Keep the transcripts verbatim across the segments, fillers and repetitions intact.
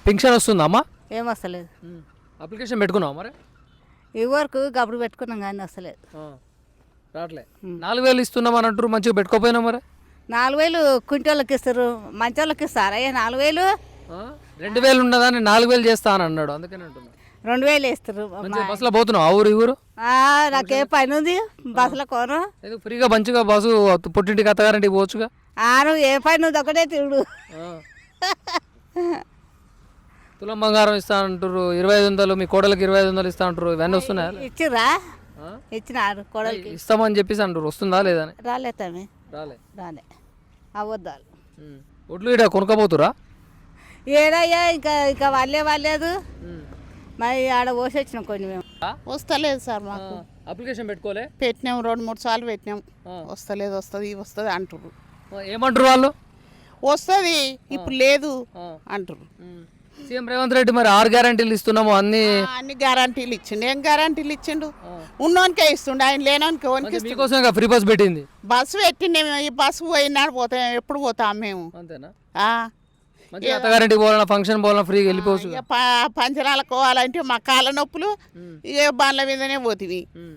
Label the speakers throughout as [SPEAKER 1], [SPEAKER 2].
[SPEAKER 1] Pension వస్తుందా అమ్మా?
[SPEAKER 2] ఏం వస్తలేదు.
[SPEAKER 1] అప్లికేషన్ పెట్టుకున్నావా మరి?
[SPEAKER 2] ఈ వరకు గప్పుడు పెట్టుకున్నాం కానీ వస్తలేదు.
[SPEAKER 1] ఆ, రావట్లే. నాలుగు వేలు ఇస్తున్నామని అంటారు, మంచిగా పెట్టుకోపోయినా మరి?
[SPEAKER 2] నాలుగు వేలు కుంటోళ్ళకి ఇస్తారు, మంచోళ్ళకి ఇస్తారా? అయ్యా నాలుగు వేలు
[SPEAKER 1] ఆ, రెండు వేలు ఉన్నదా నేను నాలుగు వేలు చేస్తా అని అన్నాడు, అందుకని అంటున్నా.
[SPEAKER 2] రెండు వేలు ఇస్తారు.
[SPEAKER 1] మంచిగా బస్సులో పోతున్నావు ఆ ఊరు ఈ ఊరు?
[SPEAKER 2] ఆ, నాకే పని ఉంది బస్సులో కోను.
[SPEAKER 1] ఎందుకు ఫ్రీగా మంచిగా బస్సు పుట్టింటికి అత్తగారింటికి పోవచ్చుగా?
[SPEAKER 2] ఆను ఏ పని ఉంది ఒకటే తిరుడు.
[SPEAKER 1] ఆ. తులం బంగారం ఇస్తా అంటారు, ఇరవై ఐదు వందలు మీ కోడలకి ఇరవై ఐదు వందలు ఇస్తా అంటారు, ఇవన్నీ వస్తున్నాయా?
[SPEAKER 2] ఇచ్చిర్రా?
[SPEAKER 1] ఆ?
[SPEAKER 2] ఇచ్చినారు కోడలికి.
[SPEAKER 1] ఇస్తామని చెప్పేసి అంటారు, వస్తుందా లేదా అని?
[SPEAKER 2] రాలే తమ్మి,
[SPEAKER 1] రాలే.
[SPEAKER 2] రాలే. అవద్దాలు
[SPEAKER 1] ఉమ్. ఒడ్లు ఇడ కొనుక్కపోతురా?
[SPEAKER 2] ఏడయ్యా ఇంకా ఇంకా వాళ్ళే వాళ్ళలేదు. మరి ఆడ పోసి వచ్చినాం కొన్ని మేము.
[SPEAKER 3] వస్తలేదు సార్ మాకు.
[SPEAKER 1] అప్లికేషన్ పెట్టుకోలే?
[SPEAKER 3] పెట్టినాం, రెండు మూడు సార్లు పెట్టినాం. వస్తలేదు, వస్తుంది వస్తుంది అంటారు.
[SPEAKER 1] ఏమంటారు వాళ్ళు?
[SPEAKER 3] వస్తుంది ఇప్పుడు లేదు అంటారు.
[SPEAKER 1] సీఎం రేవంత్ రెడ్డి మరి ఆరు గ్యారంటీలు ఇస్తున్నాము అన్ని
[SPEAKER 3] అన్ని గ్యారంటీలు ఇచ్చిండు. ఏం గ్యారంటీలు ఇచ్చిండు? ఉన్నోనికే ఇస్తుండు, ఆయన లేనోనికి ఓనికి ఇస్తుండు.
[SPEAKER 1] మీకోసం ఫ్రీ బస్ పెట్టింది.
[SPEAKER 3] బస్సు పెట్టిండే మేము, ఈ బస్సు పోయినాడు పోతాం, ఎప్పుడు పోతాం మేము.
[SPEAKER 1] అంతేనా?
[SPEAKER 3] ఆ.
[SPEAKER 1] మంచిగా అత్తగారింటికి పోవాలన్నా ఫంక్షన్ పోవాలన్నా ఫ్రీగా వెళ్ళిపోవచ్చు.
[SPEAKER 3] ఇక ప- పంచనాలకు పోవాలంటే మా కాళ్ళ నొప్పులు ఇక బండ్ల మీదనే పోతివి.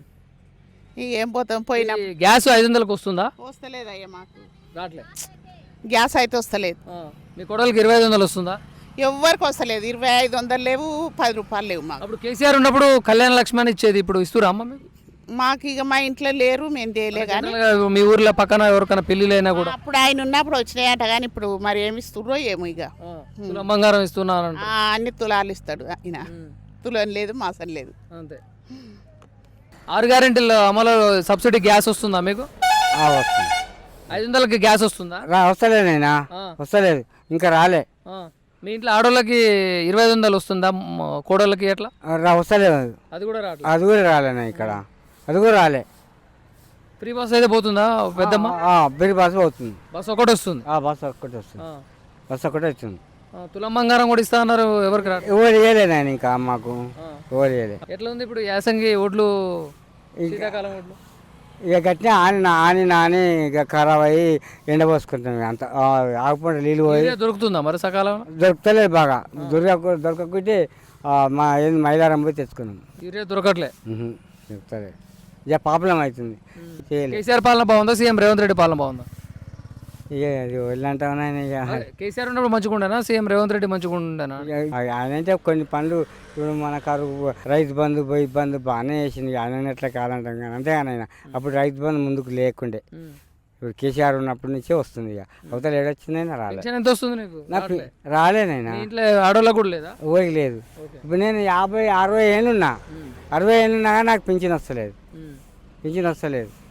[SPEAKER 3] ఇక ఏం పోతాం, పోయినా.
[SPEAKER 1] ఈ గ్యాస్ ఐదు వందలకు వస్తుందా?
[SPEAKER 3] వస్తలేదు అయ్యా మాకు.
[SPEAKER 1] రావట్లే.
[SPEAKER 3] గ్యాస్ అయితే వస్తలేదు.
[SPEAKER 1] ఆ. మీ కోడలికి ఇరవై ఐదు వందలు వస్తుందా?
[SPEAKER 3] ఎవ్వరికి వస్తలేదు. ఇరవై ఐదు వందలు లేవు, పది రూపాయలు లేవు మాకు.
[SPEAKER 1] అప్పుడు కేసీఆర్ ఉన్నప్పుడు కళ్యాణ లక్ష్మి అని ఇచ్చేది, ఇప్పుడు ఇస్తురా అమ్మ మీకు?
[SPEAKER 3] మాకు ఇక మా ఇంట్లో లేరు, మేము తేలే కానీ.
[SPEAKER 1] జనరల్గా మీ ఊర్లో పక్కన ఎవరికైనా పెళ్ళిళ్ళైనా కూడా
[SPEAKER 3] అప్పుడు ఆయన ఉన్నప్పుడు వచ్చినాయట కానీ ఇప్పుడు మరి ఏమి ఇస్తుర్రో ఏమో. ఇక
[SPEAKER 1] ఆ, తులం బంగారం ఇస్తున్నానంట.
[SPEAKER 3] ఆ, అన్ని తులాలు ఇస్తాడు ఆయన. తులం లేదు, మాసం లేదు.
[SPEAKER 1] అంతే. ఆరు గ్యారెంటీల అమలు సబ్సిడీ గ్యాస్ వస్తుందా మీకు?
[SPEAKER 4] వస్తుంది.
[SPEAKER 1] ఐదు వందలకి గ్యాస్ వస్తుందా?
[SPEAKER 4] రా వస్తలేదైనా, వస్తలేదు ఇంకా రాలే.
[SPEAKER 1] ఆ. మీ ఇంట్లో ఆడోళ్ళకి ఇరవై ఐదు వందలు వస్తుందా, మ- కోడళ్ళకి ఎట్లా?
[SPEAKER 4] రా వస్తలేదు,
[SPEAKER 1] అది కూడా రావట్లేదు.
[SPEAKER 4] అది కూడా రాలేనా ఇక్కడ, అది కూడా రాలే.
[SPEAKER 1] ఫ్రీ బస్ అయితే పోతుందా పెద్దమ్మ?
[SPEAKER 4] బిరి బస్సు పోతుంది.
[SPEAKER 1] బస్ ఒకటి వస్తుంది.
[SPEAKER 4] ఆ బస్సు ఒక్కటి వస్తుంది,
[SPEAKER 1] ఆ.
[SPEAKER 4] బస్సు ఒక్కటే వచ్చింది.
[SPEAKER 1] ఆ, తులం బంగారం కూడా ఇస్తా అన్నారు, ఎవరికి రా?
[SPEAKER 4] ఎవరు వేయలేదు ఆయన ఇంకా మాకు, ఎవరు వేయలే.
[SPEAKER 1] ఎట్లా ఉంది ఇప్పుడు యాసంగి ఓట్లు, శీతాకాలం ఓట్లు?
[SPEAKER 4] ఇక గట్టిన ఆని నా- ఆని నాని ఇక ఖరాబ్ అయ్యి ఎండపోసుకుంటాం అంత. ఆకుపంట నీళ్ళు పోయి
[SPEAKER 1] యూరియా దొరుకుతుందా మరి సకాలంలో?
[SPEAKER 4] దొరకలేదు బాగా. దొరక దొరకకుంటే మా ఏంది మైలారం పోయి తెచ్చుకున్నాం.
[SPEAKER 1] యూరియా దొరకట్లే.
[SPEAKER 4] ఉహు, దొరుకుతలేదు. ఇక ప్రాబ్లం అవుతుంది, చేయలేదు.
[SPEAKER 1] కేసీఆర్ పాలన బాగుందా, సీఎం రేవంత్ రెడ్డి పాలన బాగుందా?
[SPEAKER 4] ఇక అది వెళ్ళంటామని ఇక
[SPEAKER 1] కేసీఆర్ ఉన్నప్పుడు మంచిగా ఉండేనా, సీఎం రేవంత్ రెడ్డి మంచిగా ఉండేనా?
[SPEAKER 4] ఆయన అంటే కొన్ని పనులు ఇప్పుడు మన కరువు రైతు బంధు పోయి బంధు బాగానే చేసింది. ఆయన ఎట్లా కాదంటాం కానీ అంతే కానీ ఆయన అప్పుడు రైతు బంధు ముందుకు లేకుండే. ఇప్పుడు కేసీఆర్ ఉన్నప్పటి నుంచే వస్తుంది. ఇక అవతల ఏడొచ్చిందైనా రాలే.
[SPEAKER 1] పెన్షన్ ఎంత వస్తుంది నీకు?
[SPEAKER 4] నాకు రాలేనైనా,
[SPEAKER 1] మీ ఇంట్లో ఆడోళ్ళకు కూడా లేదా?
[SPEAKER 4] ఊరికి లేదు. ఇప్పుడు నేను యాభై అరవై ఏళ్ళున్నా, అరవై ఏళ్ళున్నా కానీ నాకు పింఛన్ వస్తలేదు, పింఛన్ వస్తలేదు.